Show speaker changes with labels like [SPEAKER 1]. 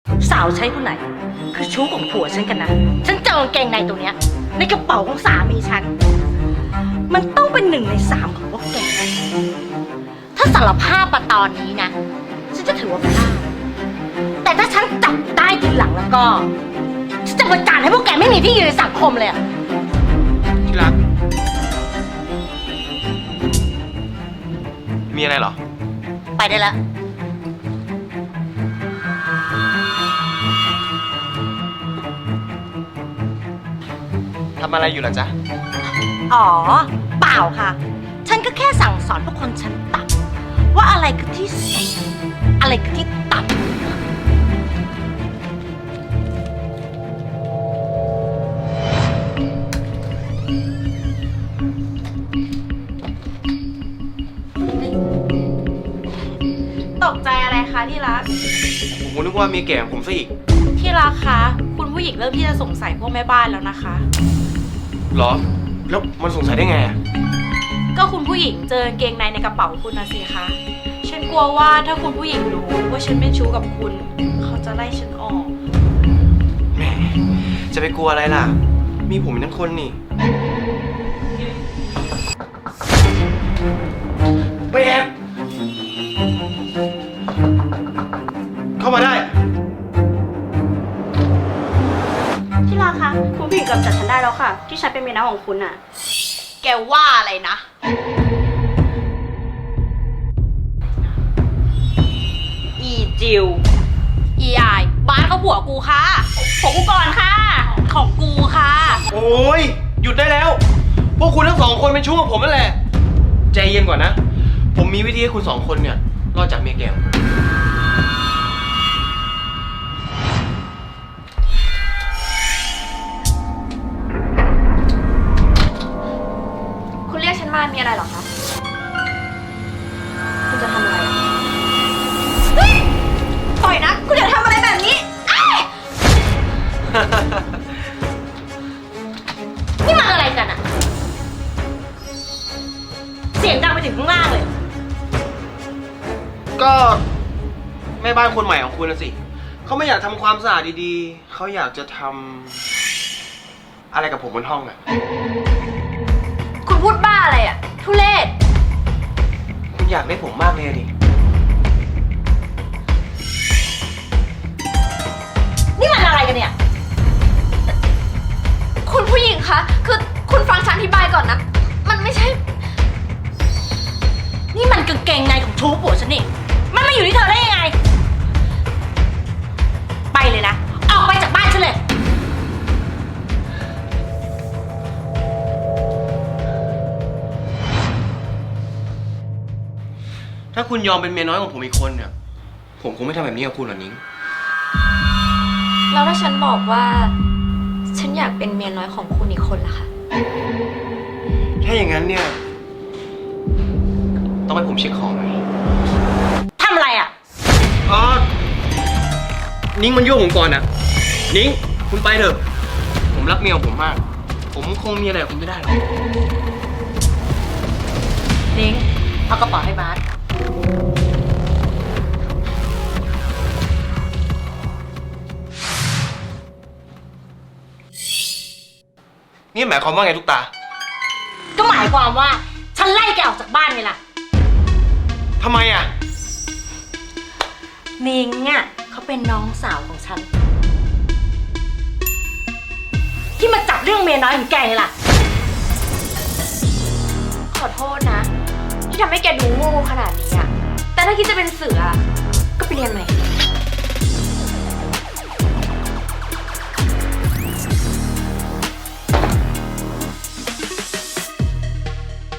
[SPEAKER 1] สาวใช้คนไหนคือชู้ของผัวฉันกันนะฉันเจอกางเกงในตัวเนี้ยในกระเป๋าของสามีฉันมันต้องเป็น1 ใน 3ของพวกแกถ้าสารภาพมาตอนนี้นะฉันจะถือว่าพลาดแต่ถ้าฉันจับได้ทีหลังแล้วก็ฉันจะประจานให้พวกแกไม่มีที่ยืนในสังคมเลยอะ
[SPEAKER 2] ที่รักมีอะไรเหรอ
[SPEAKER 1] ไปได้แล้ว
[SPEAKER 2] ทำอะไรอยู่ล่ะจ๊ะ
[SPEAKER 1] อ๋อเปล่าค่ะฉันก็แค่สั่งสอนพวกคนชั้นต่ำว่าอะไรคือที่สูงอะไรคือที่ต่ำ
[SPEAKER 3] ตกใจอะไรคะที่รัก
[SPEAKER 2] ผมนึกว่ามีแก่ของผมซะอีก
[SPEAKER 3] ที่รักคะคุณผู้หญิงเริ่มที่จะสงสัยพวกแม่บ้านแล้วนะคะ
[SPEAKER 2] เหรอแล้วมันสงสัยได้ไงอ่ะ
[SPEAKER 3] ก็คุณผู้หญิงเจอกางเกงในในกระเป๋าคุณนะสิคะฉันกลัวว่าถ้าคุณผู้หญิงรู้ว่าฉันเป็นชู้กับคุณเขาจะไล่ฉันออก
[SPEAKER 2] แหมจะไปกลัวอะไรล่ะมีผมเป็นทั้งคนนี่ไปแอบเข้ามาได้
[SPEAKER 3] ที่รักคะคุณผู้หญิงกำจัดฉันได้แล้วค่ะที่ฉันเป็นเมียน้อยของคุณน่ะแกว่าอะไรนะอีจิวอีอายบ้านเขาผัวกูค่ะของกูก่อนค่ะของกูค่ะ
[SPEAKER 2] โอ้ยหยุดได้แล้วพวกคุณทั้ง2 คนเป็นชู้กับผมนั่นแหละใจเย็นก่อนนะผมมีวิธีให้คุณ2 คนเนี่ยรอดจากเมียแก่
[SPEAKER 3] คุณเรียกฉันมามีอะไรหรอคะคุณจะทำอะไรอ่ะปล่อยนะคุณอย่าทำอะไรแบบนี้
[SPEAKER 1] นี่มันอะไรกันอะเสียงดังไปถึงข้างล่างเลย
[SPEAKER 2] ก็แม่บ้านคนใหม่ของคุณนะสิเขาไม่อยากทำความสะอาดดีๆเขาอยากจะทำอะไรกับผมบนห้องอะ
[SPEAKER 3] คุณพูดบ้าอะไรอ่ะทุเรศ
[SPEAKER 2] คุณอยากได้ผมมากเลยดิ
[SPEAKER 1] นี่มันอะไรกันเนี่ย
[SPEAKER 3] คุณผู้หญิงคะคือคุณฟังฉันอธิบายก่อนนะมันไม่ใช่
[SPEAKER 1] นี่มันกางเกงในของชู้ผัวฉันนี่มันมาอยู่ที่เธอได้ยังไงไปเลยนะออกไปจากบ้านฉันเลย
[SPEAKER 2] ถ้าคุณยอมเป็นเมียน้อยของผมอีกคนเนี่ยผมคงไม่ทำแบบนี้กับคุณหรอกนิ้ง
[SPEAKER 3] แล้วถ้าฉันบอกว่าฉันอยากเป็นเมียน้อยของคุณอีกคนล่ะคะ
[SPEAKER 2] ถ้าอย่างนั้นเนี่ยต้องให้ผมเช็คของหน่อย
[SPEAKER 1] ทำอะไรอ่ะ
[SPEAKER 2] อ๋อนิ้งมันยั่วผมก่อนนะนิ้งคุณไปเถอะผมรักเมียของผมมากผมคงมีอะไรกับคุณไม่ได้หรอก
[SPEAKER 1] นิ้งเอากระเป๋าให้บาส
[SPEAKER 2] นี่หมายความว่าไงทุกตา
[SPEAKER 1] ก็หมายความว่าฉันไล่แกออกจากบ้านไงล่ะ
[SPEAKER 2] ทำไมอ่ะ
[SPEAKER 1] นิ้งอ่ะเขาเป็นน้องสาวของฉันที่มาจับเรื่องเมียน้อยของแกไงล่ะ
[SPEAKER 3] ขอโทษนะที่ทำให้แกดูโง่ขนาดนี้อะแต่ถ้าคิดจะเป็นเสือก็ไปเรียนใหม่